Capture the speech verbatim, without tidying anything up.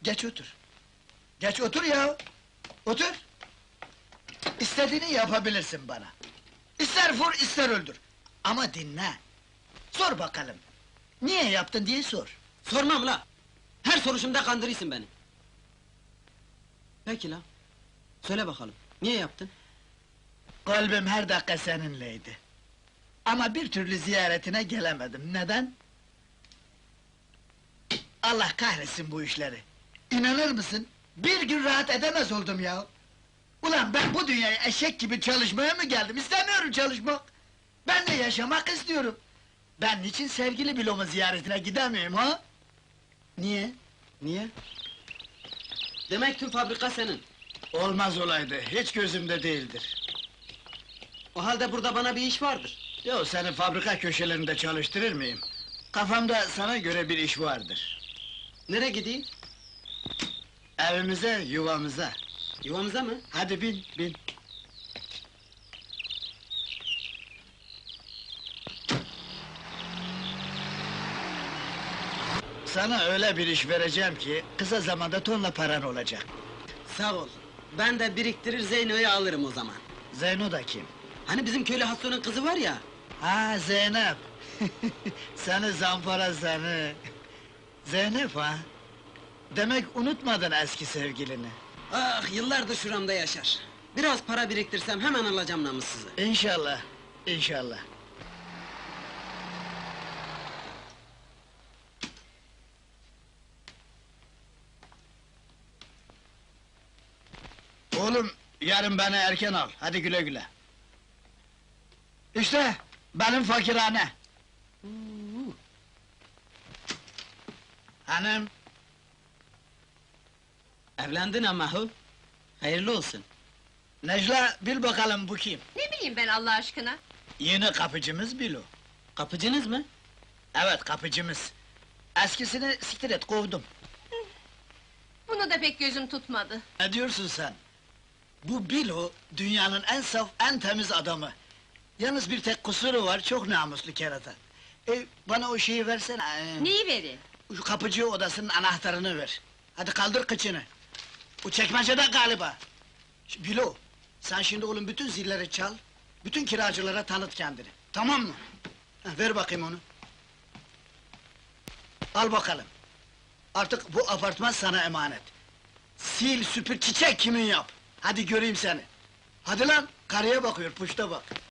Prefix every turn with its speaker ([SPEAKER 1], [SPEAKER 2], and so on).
[SPEAKER 1] Geç otur. Geç otur ya! Otur! İstediğini yapabilirsin bana. İster vur, ister öldür. Ama dinle! Sor bakalım! Niye yaptın diye sor!
[SPEAKER 2] Sormam la! Her soruşumda kandırırsın beni! Peki la! Söyle bakalım, niye yaptın?
[SPEAKER 1] Kalbim her dakika seninleydi. Ama bir türlü ziyaretine gelemedim, neden? Allah kahretsin bu işleri! İnanır mısın? Bir gün rahat edemez oldum ya! Ulan ben bu dünyaya eşek gibi çalışmaya mı geldim? İstemiyorum çalışmak! Ben de yaşamak istiyorum! Ben niçin sevgili Bilo'mun ziyaretine gidemiyorum ha? Niye?
[SPEAKER 2] Niye? Demek tüm fabrika senin!
[SPEAKER 1] Olmaz olaydı, hiç gözümde değildir!
[SPEAKER 2] O halde burada bana bir iş vardır!
[SPEAKER 1] Yo, seni fabrika köşelerinde çalıştırır mıyım? Kafamda sana göre bir iş vardır!
[SPEAKER 2] Nereye gideyim?
[SPEAKER 1] Evimize, yuvamıza!
[SPEAKER 2] Yuvamıza mı?
[SPEAKER 1] Hadi bin, bin! Sana öyle bir iş vereceğim ki, kısa zamanda tonla paran olacak!
[SPEAKER 2] Sağ ol! Ben de biriktirir Zeyno'yu alırım o zaman!
[SPEAKER 1] Zeyno da kim?
[SPEAKER 2] Hani bizim köylü Hasso'nun kızı var ya!
[SPEAKER 1] Ha, Zeynep! Seni zampara seni! Zeynep ha? Demek unutmadın eski sevgilini!
[SPEAKER 2] Ah, yıllardır şuramda yaşar! Biraz para biriktirsem hemen alacağım namussuzu!
[SPEAKER 1] İnşallah, inşallah! Oğlum, yarın beni erken al, hadi güle güle! İşte, benim fakirhane! Hanım!
[SPEAKER 2] Evlendin ama hu! Hayırlı olsun!
[SPEAKER 1] Necla, bil bakalım bu kim?
[SPEAKER 3] Ne bileyim ben Allah aşkına?
[SPEAKER 1] Yeni kapıcımız Bilo!
[SPEAKER 2] Kapıcınız mı?
[SPEAKER 1] Evet, kapıcımız! Eskisini siktir et, kovdum!
[SPEAKER 3] Bunu da pek gözüm tutmadı.
[SPEAKER 1] Ne diyorsun sen? Bu Bilo, dünyanın en saf, en temiz adamı! Yalnız bir tek kusuru var, çok namuslu kerata! E, bana o şeyi versene! ee,
[SPEAKER 3] Neyi vereyim?
[SPEAKER 1] Şu kapıcı odasının anahtarını ver! Hadi kaldır kıçını! Bu çekmecede galiba! Ş- Bilo, sen şimdi oğlum bütün zilleri çal, bütün kiracılara tanıt kendini, tamam mı? Heh, ver bakayım onu! Al bakalım! Artık bu apartman sana emanet! Sil, süpür, çiçek kimin yap! Hadi göreyim seni! Hadi lan, karıya bakıyor, puşta bak!